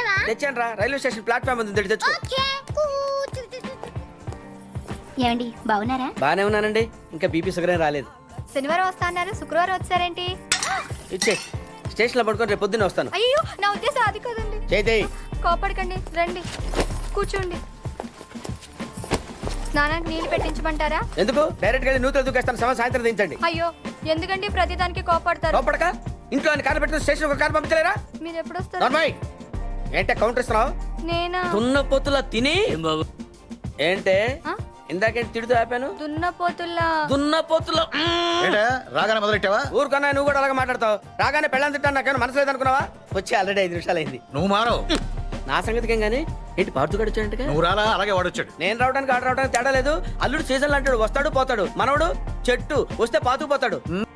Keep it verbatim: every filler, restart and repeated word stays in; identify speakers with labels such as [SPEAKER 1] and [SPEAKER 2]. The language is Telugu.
[SPEAKER 1] తెచ్చావా?
[SPEAKER 2] తెచ్చాను రా, రైల్వే స్టేషన్ ప్లాట్ఫామ్ ఉంది, తెచ్చి తెచ్చుకో.
[SPEAKER 1] ఓకే. ఏమండి బాగున్నారా?
[SPEAKER 2] బానే ఉన్నానండి, ఇంకా బీపీ షుగర్ ఏం రాలేదు.
[SPEAKER 3] శనివారం వస్తా అన్నారు, శుక్రవారం వచ్చారేంటి?
[SPEAKER 2] ఇచ్చే స్టేషన్ లో పడుకొని రేపు పొద్దున్నే వస్తాను.
[SPEAKER 3] అయ్యో నా ఉద్దేశం అది కదండి.
[SPEAKER 2] చేతి
[SPEAKER 3] కోపడకండి, రండి కూర్చోండి. స్నానానికి నీళ్లు పెట్టించమంటారా?
[SPEAKER 2] ఎందుకు? డైరెక్ట్ గా నూతులు దూకేస్తాను, సమయం సాయంత్రం దించండి.
[SPEAKER 3] అయ్యో ఎందుకండి ప్రతిదానికి కోపడతారు?
[SPEAKER 2] లోపడక ఇంట్లో అని కారు పెట్టుకుని స్టేషన్ ఒక కారు పంపించలేరా?
[SPEAKER 3] మీరు ఎప్పుడు వస్తారు?
[SPEAKER 2] నార్మల్ ఏంటే కౌంటర్ ఇస్తున్నావు?
[SPEAKER 3] నేనా?
[SPEAKER 2] దున్న పొత్తుల తిని ఏంటే
[SPEAKER 3] ఆ?
[SPEAKER 2] ఇందాకేంటి తిడుతూ ఆపాను?
[SPEAKER 3] దున్నపోతుల్లా.
[SPEAKER 2] దున్న పొత్తుల
[SPEAKER 4] ఏంటా రాగానే మొదలెట్టావా?
[SPEAKER 2] ఊరుకన్నా నువ్వు కూడా అలాగే మాట్లాడతావు. రాగానే పెళ్ళని తిట్టాను, నాకేమైనా మనసు లేదనుకున్నావా? వచ్చి ఆల్రెడీ ఐదు నిమిషాలు అయింది.
[SPEAKER 4] నువ్వు మారవు.
[SPEAKER 2] నా సంగతికి ఏం గానీ ఏంటి పార్తు గడిచాడంటే?
[SPEAKER 4] నువ్వు రాలా, అలాగే వాడొచ్చాడు.
[SPEAKER 2] నేను రావడానికి ఆడ రావడానికి తేడా లేదు. అల్లుడు సీజన్లు అంటాడు, వస్తాడు పోతాడు. మనవడు చెట్టు వస్తే పాతుకు పోతాడు.